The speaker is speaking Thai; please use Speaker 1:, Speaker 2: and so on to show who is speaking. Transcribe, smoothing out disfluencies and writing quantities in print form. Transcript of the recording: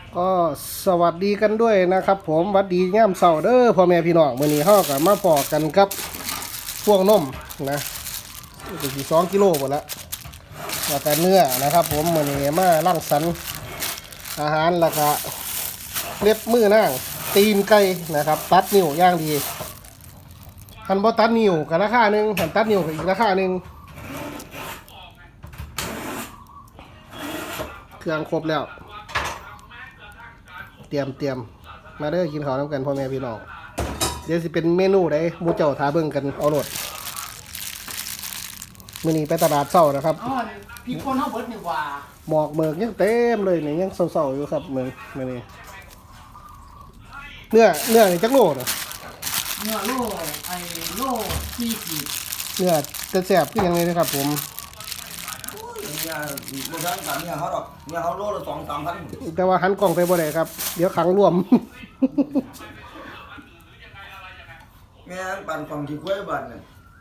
Speaker 1: ก็สวัสดีกันด้วยนะครับผมสวัสดีย่ามเสาร์เด้อพ่อแม่พี่น้องมื้อนี้เฮาก็มาพอกันกับพวกนมนะเป็นสิ2กิโลหมดแล้วแล้วก็เนื้อนะครับผมมื้อนี้มารังสรรค์อาหารแล้วก็เล็บมือนางตีนไก่นะครับตัดนิ้วย่างดีคันบ่ตัดนิ้วก็ราคาหนึงคันตัดนิ้วก็อีกราคาหนึงเครื่องครบแล้วเตรียมมาเด้อกินข้าวน้ำกันพ่อแม่พี่น้องเดี๋ยวสิเป็นเมนูใดหมู่เจ้าทาเบิ่งกันเอาโลดมื้อนี้ไปตลาดเช้านะครับ
Speaker 2: อ๋อพี่คนเขาเบิดนี่ว่า
Speaker 1: หมอกเมือกยังเต็มเลยนี่ยังเศร้าๆอยู่ครับมื้อนี้เนื้อนี่จักโลน่ะ
Speaker 2: เนื้อโลไอ้โลที่สิบ
Speaker 1: เนื้อจะแซ่บคือหยังไงนะครับผม
Speaker 3: เนี่ยบางครั้งกับเนี่ยเขาหรอกเนี่ยเขาโลละ2-3 พัน
Speaker 1: แต่ว่าหันกล้องไปบ่ได้ครับเดี๋ยวขังรวม
Speaker 3: แม่งปั่นฝั่งที่กล้วยบัตรเนี่ย